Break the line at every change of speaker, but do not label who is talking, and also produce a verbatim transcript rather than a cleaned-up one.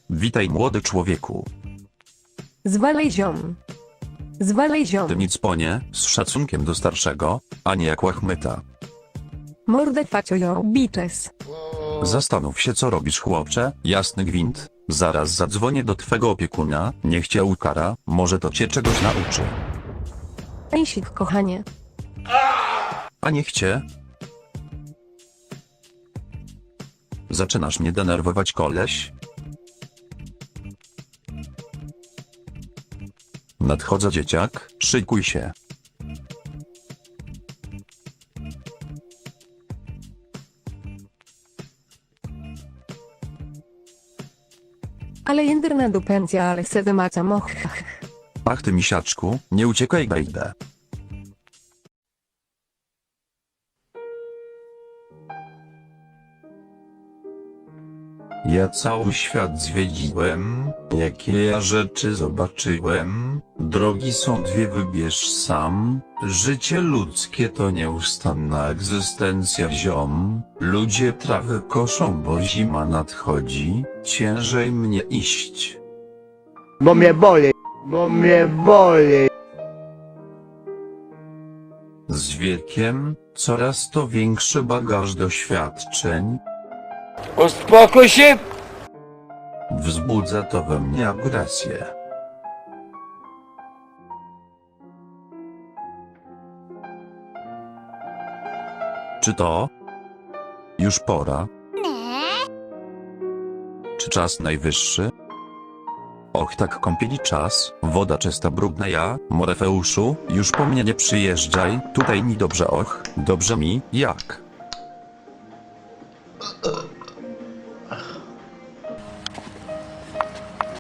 Witaj młody człowieku.
Zwalej ziom. Zwalej ziom.
Ty nic ponie, z szacunkiem do starszego, a nie jak łachmyta.
Mordę facio yo bitches.
Zastanów się co robisz chłopcze, jasny gwint. Zaraz zadzwonię do twego opiekuna, niech cię ukara, może to cię czegoś nauczy.
Ejsik kochanie.
A niech cię. Zaczynasz mnie denerwować koleś? Nadchodzę dzieciak, szykuj się.
Ale jędrna dupencja, ale se wymaca moch.
Ach ty misiaczku, nie uciekaj bejdę. Ja cały świat zwiedziłem, jakie ja rzeczy zobaczyłem. Drogi są dwie, wybierz sam. Życie ludzkie to nieustanna egzystencja ziom. Ludzie trawę koszą, bo zima nadchodzi, ciężej mnie iść.
Bo mnie boli, bo mnie boli.
Z wiekiem, coraz to większy bagaż doświadczeń.
Uspokój się!
Wzbudza to we mnie agresję. Czy to już pora? Czy czas najwyższy? Och tak kąpieli czas, woda czysta brudna ja, Morefeuszu, już po mnie nie przyjeżdżaj, tutaj mi dobrze och, dobrze mi, jak?